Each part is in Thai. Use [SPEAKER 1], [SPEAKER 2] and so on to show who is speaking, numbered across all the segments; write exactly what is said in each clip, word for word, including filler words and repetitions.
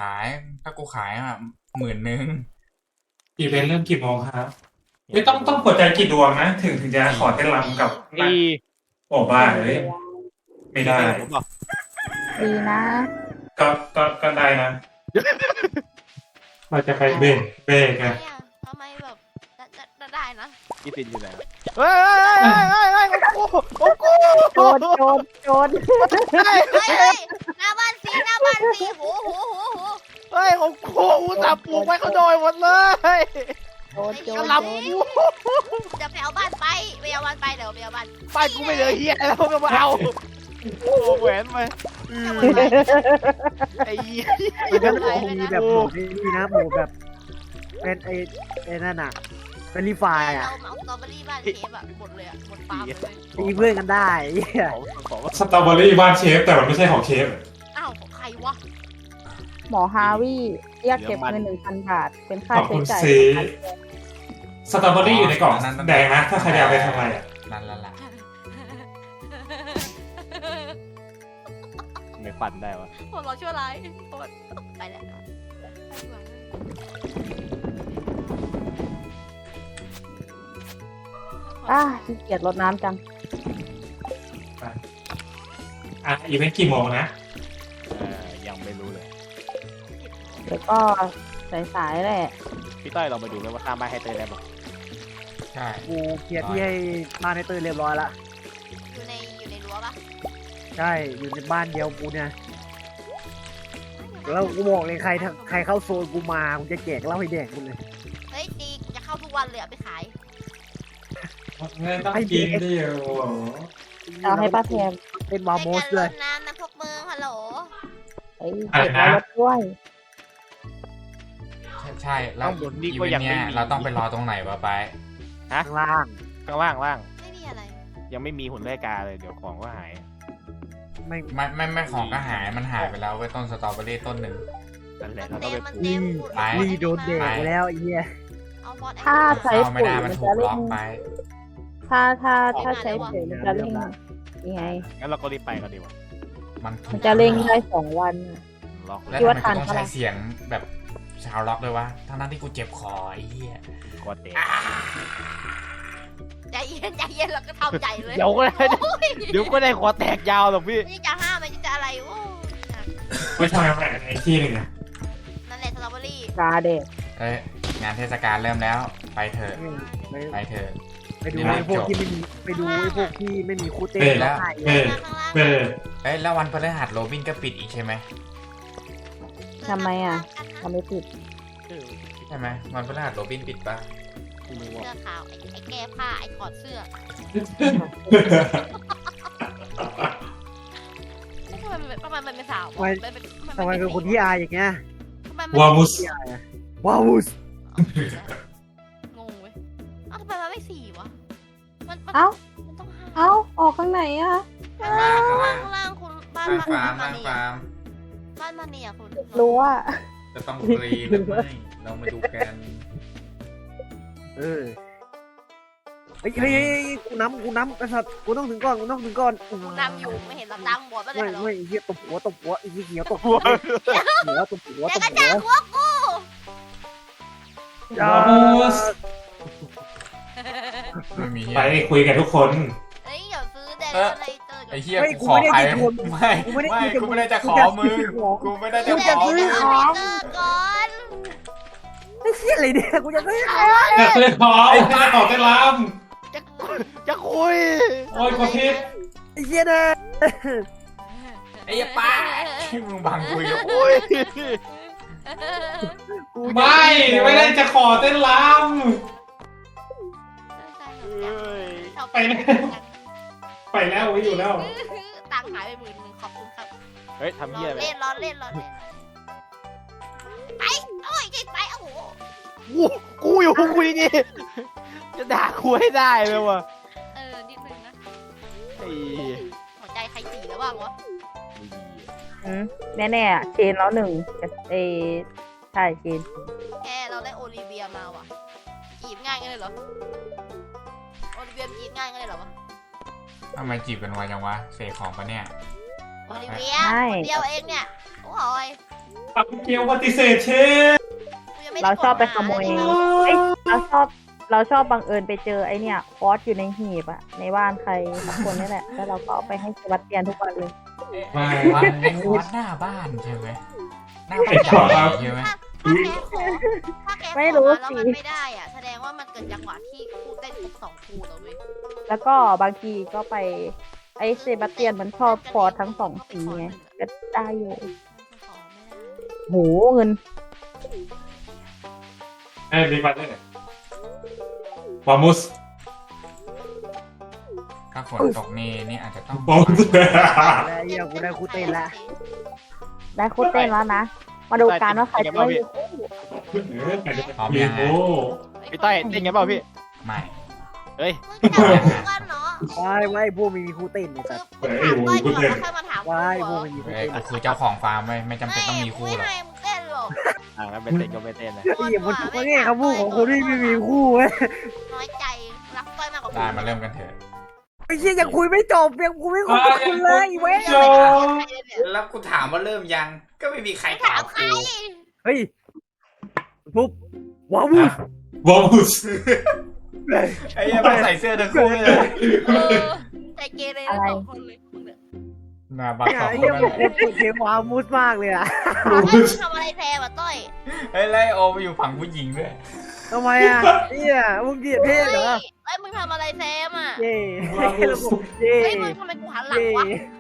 [SPEAKER 1] ายถ้ากูขายอ่ะหมื่นหนึ่ง
[SPEAKER 2] อีเวนต์เริ่มกี่โมงครับไม่ต้องต้องกดใจกี่ดวงนะถึงถึงจะขอเต้นรำกับ
[SPEAKER 3] ดี
[SPEAKER 2] โอ้บ้าเลยไม่ได้
[SPEAKER 3] ผมบอก
[SPEAKER 4] ดีนะ
[SPEAKER 2] ก็ก็ก็ได้นะ เราจะไปเบรกเบรกอะ
[SPEAKER 5] เนี่ยทำไมแบบได้ได้นะ
[SPEAKER 3] พี่ตินอยู่ไหนเฮ้ยเฮ้ยเฮ้ยเฮ้ยโอ้โหโอ้โห
[SPEAKER 4] โจรโจรโจร
[SPEAKER 3] เฮ้ย
[SPEAKER 5] เฮ้ยเฮ้ยหน้าบ้านสีหน้าบ้านสีโหโหโหโห
[SPEAKER 3] เฮ้ยของกูอุตส่าห์ปลูกไว้เขาโดยหมดเลย
[SPEAKER 4] โจรโจร
[SPEAKER 3] กระ
[SPEAKER 4] โจ
[SPEAKER 3] หล
[SPEAKER 4] ร
[SPEAKER 5] จะไปเอาบ้านไปไปเอาบ้านไปเดี๋ยวไปเอาบ้าน
[SPEAKER 3] ำบ้านกูไม่เหลือเฮียแล้วก็มาเอาโอ้แหวนไปไอ้เหี้ย
[SPEAKER 6] มันก็คงมีแบบโหมดนี่นะโหมดแบบเป็นไอ้ไอ้นั่นอ่ะเป็นรีไฟล์
[SPEAKER 5] เรา
[SPEAKER 6] อ่ะ
[SPEAKER 5] เอาสตรอเบอรี่บ้านเชฟอะหมดเลยอะหมดฟาร์มเลย
[SPEAKER 6] มีเพื่อนกันได้เหี้ย
[SPEAKER 3] ของของ
[SPEAKER 2] สตรอเบอรี่บ้านเชฟแต่มันไม่ใช่ของเชฟ
[SPEAKER 5] อ้าวของใครวะ
[SPEAKER 4] หมอฮาวิเรียกเก็บเงินหนึ่งพันบาท เป็นค่า
[SPEAKER 2] ขอบ
[SPEAKER 4] ใช้
[SPEAKER 2] คุณ
[SPEAKER 4] จ่าย
[SPEAKER 2] ซีสตรอเบอรี่อยู่ในกล่องแดงนะถ้าใครอยากไปทำอะไรอะ
[SPEAKER 1] นั่นละละ
[SPEAKER 3] ไม่ฟันได้วะ
[SPEAKER 5] ผมรอชั่วร้ายโคตรไปแล้วไปดีกว่า
[SPEAKER 4] อ่ะขี้เกียจรดน้ำจัง
[SPEAKER 2] อ่ะอีเวนต์กี่โมงนะ
[SPEAKER 3] เออยังไม่รู้เลย
[SPEAKER 4] เดี๋ยวก็สายๆแหละ
[SPEAKER 3] พี่ต้อยลองไปดูเลยว่าข้ามบ้านให้เตยได้บอก
[SPEAKER 1] ใช่
[SPEAKER 6] กูเคลียร์ที่ให้บ้านในเตยเรียบร้อยละ
[SPEAKER 5] อยู่ในอยู่ในรั้วปะ
[SPEAKER 6] ใช่อยู่ในบ้านเดียวกูเนี่ยแล้วกูบอกเลยใครถ้าใครเข้าโซนกูมากูจะแจกเหล้าให้แดกกูเลย
[SPEAKER 5] เฮ้ยดีจะเข้าทุกวันเลยเอาไปขาย
[SPEAKER 2] เงินต้องกินดิโอ้โห
[SPEAKER 4] เอาให้ป้าแทน
[SPEAKER 6] เป็นวาโมส
[SPEAKER 5] ใน
[SPEAKER 6] เล
[SPEAKER 5] การร
[SPEAKER 6] ย
[SPEAKER 5] ดน้ำนะพวกมึงฮัลโหล
[SPEAKER 4] เอ้ยเก็บไว้รถด้วย
[SPEAKER 1] ใช่ใช่แล้วอีเวนต์เนี้ยเราต้องไปรอตรงไหนวะไป
[SPEAKER 6] ข้างล่าง
[SPEAKER 3] ข้างล่างล่าง
[SPEAKER 5] ไม่มีอะไร
[SPEAKER 3] ยังไม่มีหุ่นไล่กาเลยเดี๋ยวของก็หาย
[SPEAKER 6] ไม่
[SPEAKER 1] ไม่ไม่ไม่ของก็หายมันหายไปแล้วเว้ยต้นสตรอเบอรี่ต้นหนึ่ง
[SPEAKER 3] นั่นแหละ
[SPEAKER 5] มั
[SPEAKER 3] เรา
[SPEAKER 5] น
[SPEAKER 3] ต้อง
[SPEAKER 5] เต็
[SPEAKER 3] ไป
[SPEAKER 5] ม
[SPEAKER 3] ป
[SPEAKER 5] มัน
[SPEAKER 3] ลูก
[SPEAKER 5] เต็ม
[SPEAKER 1] ไป
[SPEAKER 6] นี่โดนแดกไปแล้วไอ้เหี้ย
[SPEAKER 5] เอาบอส
[SPEAKER 4] ถ้าใช้
[SPEAKER 1] เข้าไม่
[SPEAKER 4] ปุ๋ย
[SPEAKER 1] ได้มั
[SPEAKER 4] มัน น
[SPEAKER 1] ถู
[SPEAKER 4] จะ
[SPEAKER 1] ก
[SPEAKER 4] เร่
[SPEAKER 1] ล็อก
[SPEAKER 4] ง
[SPEAKER 1] ไป
[SPEAKER 4] ถ้าถ้าถ้าใช้ปุ๋ยมันจะเร่งยังไง
[SPEAKER 3] งั้นเราก็รีบไปกันดีกว่า
[SPEAKER 1] มันถู
[SPEAKER 4] มัน
[SPEAKER 1] ก
[SPEAKER 4] จะเร่งได้สองวัน
[SPEAKER 3] ล็อกเล
[SPEAKER 1] แล้ว
[SPEAKER 3] ย
[SPEAKER 1] ทำไมกูต้องใช้เสียงแบบชาวล็อกด้วยวะทั้งนั้นที่กูเจ็บคอไอ้เหี้ย
[SPEAKER 3] กดเตะ
[SPEAKER 5] ใจเย็นใจเย็นเราก็ทำใจเลย
[SPEAKER 3] เดี๋ยวก็ได้เดี๋ยวก็ได้คอแตกยาวหรอกพี่
[SPEAKER 5] ไม่จะห้ามไม่จะอะไรโอ้
[SPEAKER 2] ไม่ทำอะไรในที่หนึ่งนะ
[SPEAKER 5] นั่นแหละสตรอเบอรี่
[SPEAKER 4] กาเด็ก
[SPEAKER 1] เอ้ยงานเทศกาลเริ่มแล้วไปเถอะ
[SPEAKER 6] ไป
[SPEAKER 1] ไปเถอะ
[SPEAKER 6] ไปดู
[SPEAKER 1] เดี๋ยว
[SPEAKER 6] ไอ้พวก
[SPEAKER 1] จบ
[SPEAKER 6] ที่ไม่มีไปดูไอ้พวกที่ไม่มีคู่เต้น
[SPEAKER 1] เบรกแล้ว
[SPEAKER 6] ถ่าย
[SPEAKER 2] เบรก
[SPEAKER 5] ข้างล่าง
[SPEAKER 2] เบรก
[SPEAKER 1] เอ้ยแล้ววันพฤหัสโรบินก็ปิดอีกใช่ไหม
[SPEAKER 4] ทำไมอ่ะทำไม่ผิด
[SPEAKER 1] ใช่ไหมวันพฤหัสโรบินปิดปะ
[SPEAKER 3] ไม่รู้
[SPEAKER 5] เสื้
[SPEAKER 3] ว่า
[SPEAKER 5] อขาวไอ้ไอ้แก้ผ้าไอ้ถอดเสื้อทำไมมันทำไมมันเป็นสาววะมันเป็น
[SPEAKER 6] ทำไมเป็นคนที่อายอย่างเงี้ย
[SPEAKER 5] ทำไมมัน
[SPEAKER 2] วามุส
[SPEAKER 6] ที่อายอะว้าวส
[SPEAKER 5] งงเว้ยเอ้าทำไมมันไม่สี่วะมันมัน
[SPEAKER 4] เอ้า
[SPEAKER 5] มันต้องห้า
[SPEAKER 4] เอ้า ออกข้างไหนอ่ะ
[SPEAKER 5] ข้างล่างข้างล่างข้างล่างคุณบ้าน
[SPEAKER 1] ล่าง
[SPEAKER 5] บ้าน
[SPEAKER 1] ฟาร์ม
[SPEAKER 5] บ้า
[SPEAKER 1] ล่าน งฟาร์ม
[SPEAKER 5] มาเนียบ้านมาเนียคุณ
[SPEAKER 4] รู้ว่า
[SPEAKER 1] จะต้องฟรีหรือไม่เรามาดูกัน
[SPEAKER 6] เออเฮ้ยเฮ้ยเฮ้ยกูน้ำกูน้ำไอ้สัตว์กูต้องถึงก่อนกูต้องถึงก่อน
[SPEAKER 5] คุณนำอยู่ไม่เห็นเราตามบอดบ้านเล
[SPEAKER 6] ไม่
[SPEAKER 5] ยเหรอ
[SPEAKER 6] ไม่ไอ้เหี้ยตบหัวตบหัวไอ้เหี้ยเขียวตบหัวหัวตบหัว
[SPEAKER 5] แก
[SPEAKER 6] ตบ
[SPEAKER 5] ก็
[SPEAKER 6] หั
[SPEAKER 5] จ้าง
[SPEAKER 6] ว
[SPEAKER 5] หัวกู
[SPEAKER 6] อย่า
[SPEAKER 1] ไม่มีเฮี
[SPEAKER 2] ไป
[SPEAKER 1] ย
[SPEAKER 2] คุยกับทุกคน
[SPEAKER 5] เฮ้ยอย่าซื้อแดง
[SPEAKER 1] เออ
[SPEAKER 5] อะไรเจอ
[SPEAKER 1] ไอ้เฮียกูขอใครไม่ไม่กูไม่ได้จะขอมึงกูไม่ได้จะ
[SPEAKER 5] แด
[SPEAKER 1] ของ มึ
[SPEAKER 5] ซื้
[SPEAKER 1] ง
[SPEAKER 5] อของก่อน
[SPEAKER 6] ไอ้เหี้ยอะไรเนี่ยกูจะซื้อของ
[SPEAKER 2] อยากเลยขอไอ้ข้าขอเต้นร
[SPEAKER 3] จะจะคุย
[SPEAKER 2] ำโอ้ยกดพิษ
[SPEAKER 6] ไอ้เหี้ยนะ
[SPEAKER 1] ไอ้เหี้ยป้าที่มึงบังคุยกับกู
[SPEAKER 3] คุย
[SPEAKER 6] กูจะ
[SPEAKER 2] ไม่ไม่ได้จะขอเต้นร
[SPEAKER 3] เฮ้ย
[SPEAKER 2] ำไปแล้วไปแล้วไม่อยู่แล้ว
[SPEAKER 5] ตังค์หายไปหมื่นหนึ่งขอบคุณครับ
[SPEAKER 3] เฮ้ยทำ
[SPEAKER 5] ร
[SPEAKER 3] เหี้ย
[SPEAKER 5] อ
[SPEAKER 3] อะไร
[SPEAKER 5] เล่นรอเล่นรอเล่นไปโอ้ยใจไปโอ้โห
[SPEAKER 3] กูกูอยู่กูนี่จะด่ากูให้ได้เลยวะ
[SPEAKER 5] เออนิดนึงนะ
[SPEAKER 3] ไอ้
[SPEAKER 5] หัวใจใครตีแล้วบ้างวะ
[SPEAKER 4] อืมแน่ๆอ่ะเชนแล้วหนึ่งแต่เอใช่เชน
[SPEAKER 5] แกเราได้โอลิเวียมาว่ะจีบง่ายกันเลยเหรอโอลิเวียจีบง่ายกันเลยเหรอวะ
[SPEAKER 1] ทำไมจีบกันไวจังวะเสกของปะเนี่ย
[SPEAKER 5] โอลิเวีย
[SPEAKER 4] ใช่
[SPEAKER 5] คนเดียวเองเนี่ยโอ้ย
[SPEAKER 2] ปักเกียวปฏิเสธเชฟ
[SPEAKER 5] กูยังม่ด้
[SPEAKER 4] เราชอบไปขโมย
[SPEAKER 5] กดหาเลย
[SPEAKER 4] เอ้ยเราชอบเราชอบบังเอิญไปเจอไอเนี่ยคอสอยู่ในหีบอะในบ้านใครสักคนนี่แหละ แล้วเราก็เอาไปให้เซบาสเตียนทุกวันเลย
[SPEAKER 2] ไม่
[SPEAKER 1] วัดวัดหน้าบ้านใช่ไหมหน้าบ้านใหญ่ใช่ไหม
[SPEAKER 5] ถ้าถ้าแกขอถ้าแกขอ
[SPEAKER 4] ไม่รู้
[SPEAKER 5] แล้ว
[SPEAKER 4] สิ
[SPEAKER 5] มันไม่ได้อ่ะ แสดงว่ามันเกิดจังหวะที่คู่เต้นครบสองคู่แล้วเว้ย
[SPEAKER 4] แล้วก็บางทีก็ไปไอเซบาสเตียนมันชอบคอร์สทั้งสองสีไงก็ได้อยู่
[SPEAKER 5] ขอไม่ได้
[SPEAKER 4] โหเงิน
[SPEAKER 2] ไอ้บิ๊กบัตเตอร์วามุส
[SPEAKER 1] ถ้าฝนตกนี่นี่อาจจะต้อง
[SPEAKER 2] วามุส
[SPEAKER 6] แล้วเหี้ยกูได้คู่เต้นละ
[SPEAKER 4] ได้คู่เต้นแล้วนะ มาดูกันว่าใครจะได้
[SPEAKER 1] พร้อม
[SPEAKER 2] มี
[SPEAKER 1] ยัง
[SPEAKER 2] โอ้
[SPEAKER 1] ฮะ
[SPEAKER 3] พี่ต้อยเต้นไงเปล่าพี่
[SPEAKER 1] ไม่
[SPEAKER 3] เฮ้ย
[SPEAKER 5] มึงจะเอาคู่กันเนาะ
[SPEAKER 6] วายไว้พวกมีมีคู่เต้นเนี่ย
[SPEAKER 5] คื
[SPEAKER 6] แต่
[SPEAKER 5] อมึงถามต้อยก่อนแล้วค่อยมาถามกู
[SPEAKER 6] วาย
[SPEAKER 5] เห
[SPEAKER 6] พ
[SPEAKER 5] ร
[SPEAKER 6] วก
[SPEAKER 5] อ
[SPEAKER 6] มีมีคู่
[SPEAKER 1] เอ้ย
[SPEAKER 6] เต้น
[SPEAKER 1] กูคือเจ้าของฟาร์มไม่ไม่จำเป็นต้องมีคู่หรอก
[SPEAKER 5] ไม่ให้มึงเต้นหรอก
[SPEAKER 3] อ่างั้นไม่เต้นก็ไม่เต้นนะ
[SPEAKER 6] ไอ้เหี้ยมันมันแง่คำพูดของคนที่ไม่มีคู่เว้ย
[SPEAKER 5] น้อยใจรักต้อยมากกว่า
[SPEAKER 1] ได้มาเริ่มกันเถอะ
[SPEAKER 6] ไอ้เหี้ยยังคุยไม่จบยังคุยไม่คุยกับคุณเลยเว้ย
[SPEAKER 2] โจ
[SPEAKER 1] แล้วกูถามว่าเริ่มยัง ก็ไม่มีใครต
[SPEAKER 5] ถา
[SPEAKER 1] อ
[SPEAKER 5] ม
[SPEAKER 1] บ
[SPEAKER 5] ใคร
[SPEAKER 1] กู
[SPEAKER 6] เฮ้ยปุ๊บว้าวส
[SPEAKER 2] วามุส
[SPEAKER 1] ไอ้ยังไม่ใส่เสื้อทั้งคู่เลย
[SPEAKER 5] เออใจเกเรทั้งสองคนเลยมึงเนี่ย
[SPEAKER 1] หน้าบัก
[SPEAKER 6] ไอ้
[SPEAKER 1] สองค
[SPEAKER 6] เหี้ย
[SPEAKER 1] น
[SPEAKER 6] มันเป็นเพลงว้าวมุสมากเลยอะ
[SPEAKER 5] เฮ้ยมึงทำอะไรแทนวะต้อย
[SPEAKER 1] เฮ้ยไล่โอมาอยู่ฝั่งผู้หญิงด้วย
[SPEAKER 6] ทำไมอะเหี้ยมึงเกลียดเพศเหรอ
[SPEAKER 5] เฮ้ยมึงทำอะไรแซมอ่ะ
[SPEAKER 6] เย่ระบบเย่
[SPEAKER 5] เฮ้ยมึงทำไมกูหันหลัง
[SPEAKER 6] เย่
[SPEAKER 5] วะ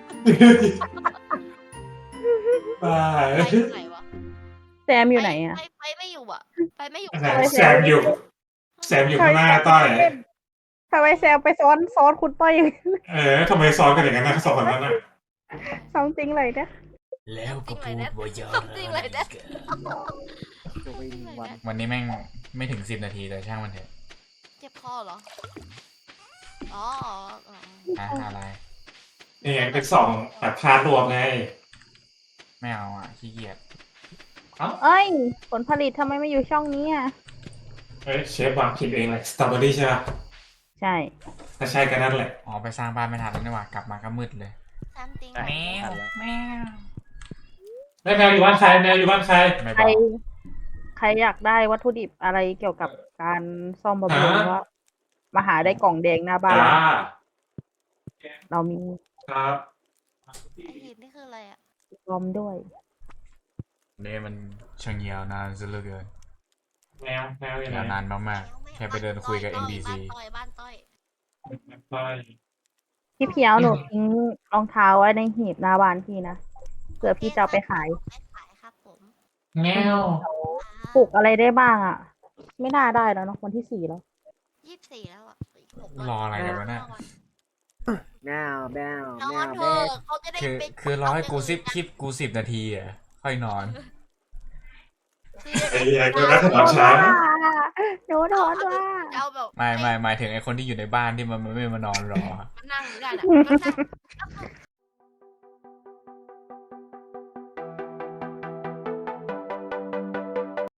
[SPEAKER 2] ตาย
[SPEAKER 5] ไปอยู่ไหนวะ
[SPEAKER 4] แซมอยู่ไหนอะ
[SPEAKER 5] ไปไปไม่อยู่อ่ะ ไปไม่อยู่
[SPEAKER 2] แซมอยู่แซมอยู่ข้างหน้าต้อย
[SPEAKER 4] ทำไมแซมไปซ้อนซ้อนคุณต้อยอย่างนี้
[SPEAKER 2] เออทำไมซ้อนกันอย่างนั้นนะสองคนนั้นน่ะ
[SPEAKER 4] ซ้ำจริงเลยนะ
[SPEAKER 1] แล้วก็พูดว่าเยอะ
[SPEAKER 5] จริงเลยนะ
[SPEAKER 6] จบไปหนึ่งวัน
[SPEAKER 1] วันนี้แม่งไม่ถึงสิบนาทีแต่ช่างมันเถอะ
[SPEAKER 5] เจ็บคอเหรอ อ๋ออ๋อ
[SPEAKER 1] อ่ะอะไร
[SPEAKER 2] นี่ไงเป็นสองแบบพาร์ทรวมไง
[SPEAKER 1] ไม่เอาอ่ะขี้เกียจ
[SPEAKER 4] เอ้ย ผลผลิตทำไมไม่อยู่ช่องนี้อ่ะ
[SPEAKER 2] เอ้ยเชฟวางผิดเองเลยสตรอเบอรี่ใช่ป่ะ
[SPEAKER 4] ใช่
[SPEAKER 2] ถ้าใช่ก็นั่นแหละ
[SPEAKER 1] อ๋อไปสร้างบ้านไม่ทันแล้วนี่หว่ากลับมาก็มืดเลย
[SPEAKER 5] ซัมติง
[SPEAKER 1] แมวแมว
[SPEAKER 2] แม่แมวอยู่บ้านใครแมวอยู่บ้านใคร
[SPEAKER 1] ไม่บ
[SPEAKER 4] ใคร
[SPEAKER 1] อก
[SPEAKER 4] ใครอยากได้วัตถุดิบอะไรเกี่ยวกับการซ่อมบำรุง
[SPEAKER 2] ฮะ
[SPEAKER 4] ว่ามาหาได้กล่องแดงหน้าบ้าน
[SPEAKER 2] จ้า
[SPEAKER 4] เรามี
[SPEAKER 2] ครับ
[SPEAKER 5] ไอหินนี่คืออะไรอ่ะ
[SPEAKER 4] รอมด้วย
[SPEAKER 1] เนี่ยมันช่างยาวนานซะเหลือเกิน
[SPEAKER 2] แมวแมวอยู่ไหน
[SPEAKER 1] ยาวนานมากๆแค่ไปเดินคุยกับ เอ็น บี ซี
[SPEAKER 5] บ้านต้อยบ้านต้อย
[SPEAKER 2] ต้อย
[SPEAKER 4] พี่เพียวหนูทิ้งรองเท้าไว้ในหีบหน้าบ้านพี่นะเผื่อพี่จะเอาไปขาย
[SPEAKER 5] ไม่ขายครับผม
[SPEAKER 2] แมว
[SPEAKER 4] ปลูกอะไรได้บ้างอ่ะ ไม่น่าได้แล้วเนอะวันที่สี่แล้ว
[SPEAKER 5] ยี่สิบสี่แล้วอ่ะอีกหกวัน
[SPEAKER 1] รออะไรกันวะเนี่ย
[SPEAKER 6] แมวแมวน
[SPEAKER 5] อ
[SPEAKER 6] แม
[SPEAKER 5] น
[SPEAKER 6] ว
[SPEAKER 5] เถ
[SPEAKER 6] แม
[SPEAKER 5] อะ
[SPEAKER 6] ว
[SPEAKER 5] เขาจะได้
[SPEAKER 1] คือ
[SPEAKER 5] ไป
[SPEAKER 1] คือรอให้กูซิปคลิปกูสิบนาทีอ่ะค่อยนอน
[SPEAKER 2] ไอ้ไอ้กูรักตอนเช้า
[SPEAKER 4] หนูโดนว่า
[SPEAKER 5] เอาแบบ
[SPEAKER 1] ไม่ไม่หมายถึงไอคนที่อยู่ในบ้านที่มันไม่มานอนรอ
[SPEAKER 5] มันนั่งอยู่ได้น่ะมันนั่ง